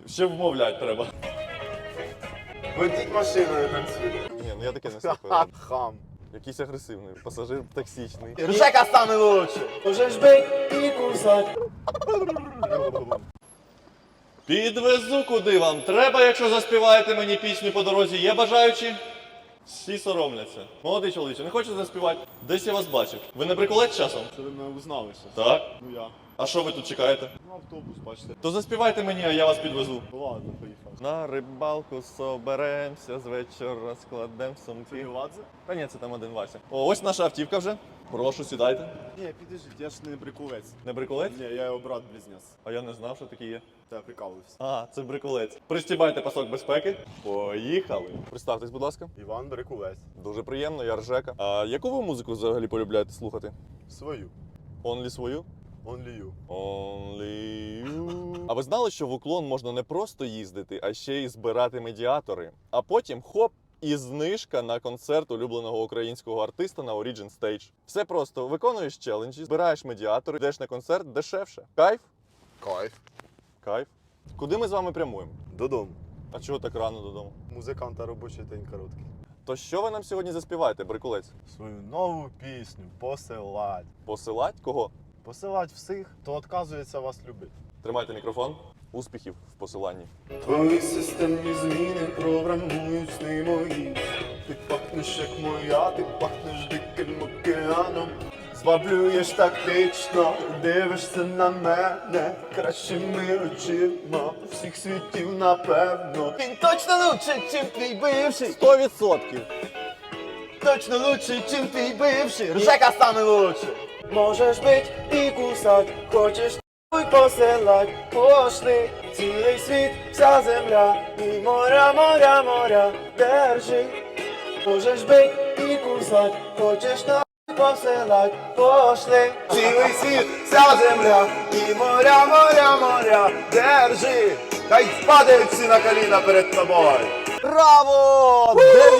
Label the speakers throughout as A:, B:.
A: Ще вмовлять треба.
B: Водіть машиною танцює.
A: Ні, ну я таке не слухаю.
B: Хам.
A: Якийсь агресивний, пасажир токсичний.
B: Жека саме лучше. Можеш бить і кусать.
A: Підвезу куди вам треба, якщо заспіваєте мені пісню по дорозі. Є бажаючі? Всі соромляться. Молодий чоловіче, не хочете заспівати? Десь я вас бачив. Ви не приколець часом?
B: Це ви мене узнали щас.
A: Так.
B: Ну я.
A: А що ви тут чекаєте?
B: Ну автобус, бачите.
A: То заспівайте мені, а я вас підвезу.
B: Ну ладно, поїхав.
A: На рибалку соберемося, з вечора складем
B: Це
A: сумки.
B: Геладзе?
A: Та ні, це там один Вася. О, ось наша автівка вже. Прошу, сідайте.
B: Ні, підождіть, я ж не брикулець.
A: Не бриколець?
B: Ні, я його брат-близнець.
A: А я не знав, що такі є.
B: Та я прикалуюсь.
A: А, це бриколець. Пристібайте пасок безпеки. Поїхали. Представтесь, будь ласка.
B: Іван Брикулець.
A: Дуже приємно, я Ржека. А яку ви музику взагалі полюбляєте слухати?
B: Свою.
A: Only свою?
B: Only you.
A: Only you. А ви знали, що в Уклон можна не просто їздити, а ще й збирати медіатори? А потім хоп! І знижка на концерт улюбленого українського артиста на Origin Stage. Все просто. Виконуєш челенджі, збираєш медіатори, йдеш на концерт дешевше. Кайф?
B: Кайф.
A: Кайф. Куди ми з вами прямуємо?
B: Додому.
A: А чого так рано додому?
B: Музиканта робочий день короткий.
A: То що ви нам сьогодні заспіваєте, брикулець?
B: Свою нову пісню посилать.
A: Посилать кого?
B: Посилать всіх, хто відказується вас любити.
A: Тримайте мікрофон. Успіхів в посиланні.
B: Твої системні зміни програмують сни мої. Ти пахнеш як моя, ти пахнеш диким океаном. Зваблюєш тактично, дивишся на мене кращими очима всіх світів, напевно. Він точно лучше, чим твій бивший.
A: 100%!
B: Точно лучше, чим твій бивший. Ржека саме лучше. Можеш бить і кусать, хочеш й посилать. Пошли цілий світ, вся земля і моря, моря, моря держи. Можеш бить і кусать, хочеш посилать. Пошли цілий світ, вся земля і моря, моря, моря держи. Хай впаде всі на коліна перед тобою.
A: Браво!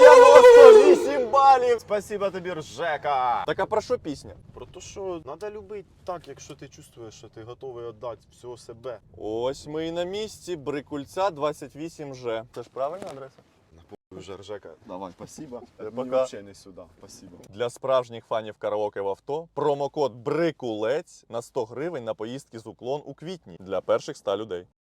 A: 98 балів!
B: Спасибо тобі, Ржека!
A: Так а про що пісня?
B: Про те, що треба любити так, якщо ти чувствуєш, що ти готовий віддати всього себе.
A: Ось ми і на місці Брикульця 28Ж. Це ж правильна адреса?
B: Вже Ржека. Давай, спасибо.
A: Пока.
B: Мені взагалі не сюди. Спасибо.
A: Для справжніх фанів караоке в авто промокод Брикулець на 100 гривень на поїздки з Уклон у квітні для перших 100 людей.